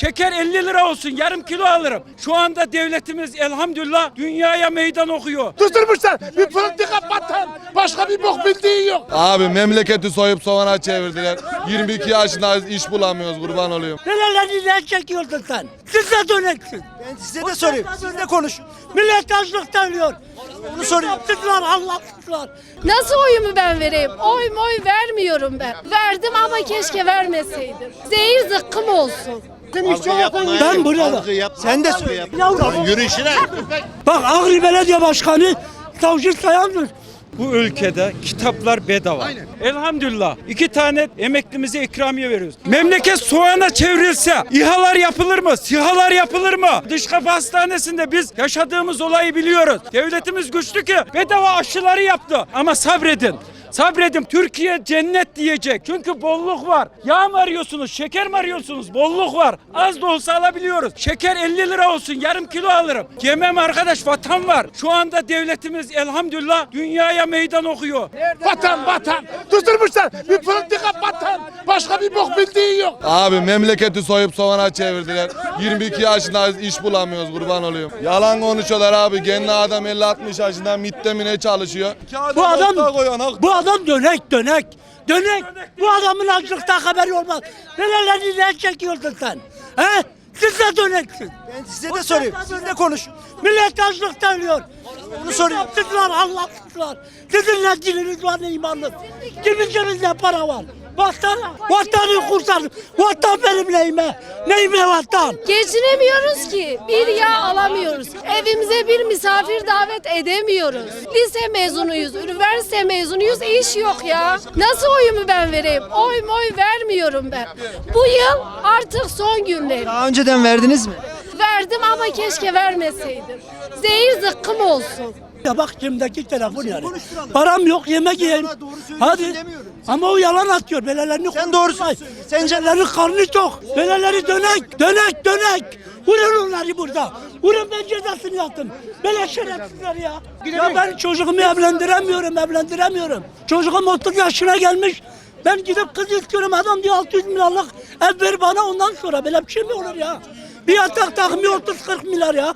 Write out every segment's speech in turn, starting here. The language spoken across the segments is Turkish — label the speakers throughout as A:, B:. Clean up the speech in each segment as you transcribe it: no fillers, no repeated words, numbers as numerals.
A: Şeker 50 lira olsun, yarım kilo alırım. Şu anda devletimiz elhamdülillah dünyaya meydan okuyor.
B: Tuturmuşlar bir politika batan. Başka bir bok bildiği yok.
C: Abi memleketi soyup soğana çevirdiler. 22 yaşındayız, iş bulamıyoruz, kurban oluyorum.
D: Nelerle ne çekiyordun sen? Siz de döneksin.
E: Ben size de sorayım. Siz de konuşun.
D: Millet açlıktan ölüyor.
E: Onu soruyorum.
D: Yaptıklar, anlattıklar.
F: Nasıl oyumu ben vereyim? Oy vermiyorum ben. Verdim ama keşke vermeseydim. Zehir zıkkım olsun.
D: Ben burada.
E: Sen de söyle.
D: Yavrum.
E: Yürüyüşüne.
D: Bak Ağrı Belediye Başkanı Savcı Sayan'dır.
A: Bu ülkede kitaplar bedava. Elhamdülillah 2 tane emeklimize ikramiye veriyoruz. Memleket soğana çevrilse İHA'lar yapılır mı? SİHA'lar yapılır mı? Dış kapı hastanesinde biz yaşadığımız olayı biliyoruz. Devletimiz güçlü ki bedava aşıları yaptı. Ama sabredin. Sabredin. Türkiye cennet diyecek. Çünkü bolluk var. Yağ mı arıyorsunuz? Şeker mi arıyorsunuz? Bolluk var. Az da olsa alabiliyoruz. Şeker 50 lira olsun. Yarım kilo alırım. Yemem arkadaş, vatan var. Şu anda devletimiz elhamdülillah dünyaya meydan okuyor.
B: Vatan. Tuturmuşlar bir politika batan. Başka bir bok bildiği yok.
C: Abi memleketi soyup soğana çevirdiler. 22 yaşındayız, iş bulamıyoruz, kurban oluyorum. Yalan konuşuyorlar abi. Kendi adam 50-60 yaşında MİT'te mi ne çalışıyor?
D: Bu adam dönek. Bu adamın açlıkta haberi olmaz. Nelerle ne çekiyordun sen? He? Siz de döneksin.
E: Ben size de sorayım. Siz de konuşun.
D: Millet açlıkta ölüyor.
E: Onu soruyorum.
D: Yaptıklar, anlattıklar. Sizin ne diliniz var, ne imanınız. Kimin cebinde para var? Vatanı kurtar. Vatan benim neyime vatan?
F: Geçinemiyoruz ki. Bir yağ alamıyoruz. Evimize bir misafir davet edemiyoruz. Lise mezunuyuz, üniversite mezunuyuz, iş yok ya. Nasıl oyumu ben vereyim? Oy vermiyorum ben. Bu yıl artık son günlerim.
E: Daha önceden verdiniz mi?
F: Verdim ama keşke vermeseydim. Zehir zıkkım olsun.
D: Ya bak cebimdeki telefon yani. Param yok, yemek yiyeyim. Hadi. Ama o yalan atıyor. Belelerini
E: Sen doğrusunu söyle. Sence
D: Belelerin karnı tok. Beleleri dönek. Vurun onları burada. Vurun, ben cezasını yaptım. Böyle şerefsizler ya. Ya ben çocuğumu evlendiremiyorum. Çocuğum 30 yaşına gelmiş. Ben gidip kız istiyorum, adam diyor 600 milyarlık ev ver bana, ondan sonra böyle bir şey mi olur ya? Bir yatak takmıyor 30-40 milyar ya.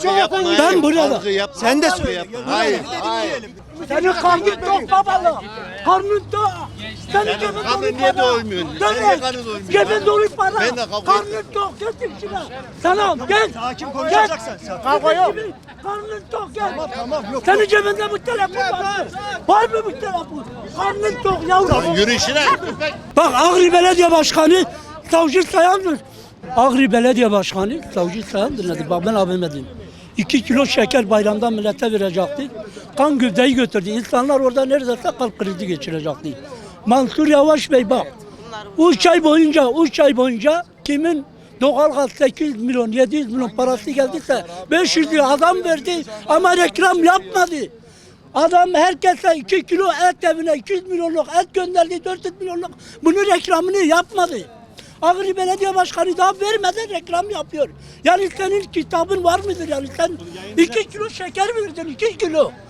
D: Ben burada.
E: sen de söyle.
G: Hayır.
D: Senin karnın tok babalı. Karnın tok. Senin cebin dolu
G: niye
D: para.
G: doymuyorsun?
D: Dönek.
G: Niye karnın doymuyor?
D: Cebin dolu para.
G: Ben de kavga
D: Karnın tok. Getir şuna. Sana gel.
E: Sakin konuşacaksan.
D: Kavga yok. Karnın tok gel. Tamam yok. Senin cebinde bu telefon var mı? Var mı bu telefon? Karnın tok yavrum.
G: Yürüyüşüne.
D: Bak Ağrı Belediye Başkanı Savcı Sayan'dır. Ağrı Belediye Başkanı Savcı Sayan'dır dedi. Bak ben abime diyeyim. 2 kilo şeker bayramdan millete verecekti. Kan gövdeyi götürdü. İnsanlar orada neredeyse kalp krizi geçirecekti. Mansur Yavaş Bey bak. 3 ay boyunca kimin doğalgaz 800 milyon 700 milyon parası geldiyse 500 lira adam verdi ama reklam yapmadı. Adam herkese 2 kilo et evine 200 milyonluk et gönderdi, 400 milyonluk. Bunun reklamını yapmadı. Ağrı Belediye Başkanı daha vermeden reklam yapıyor. Yani senin kitabın var mıdır yani? Sen 2 kilo şeker verdin, 2 kilo.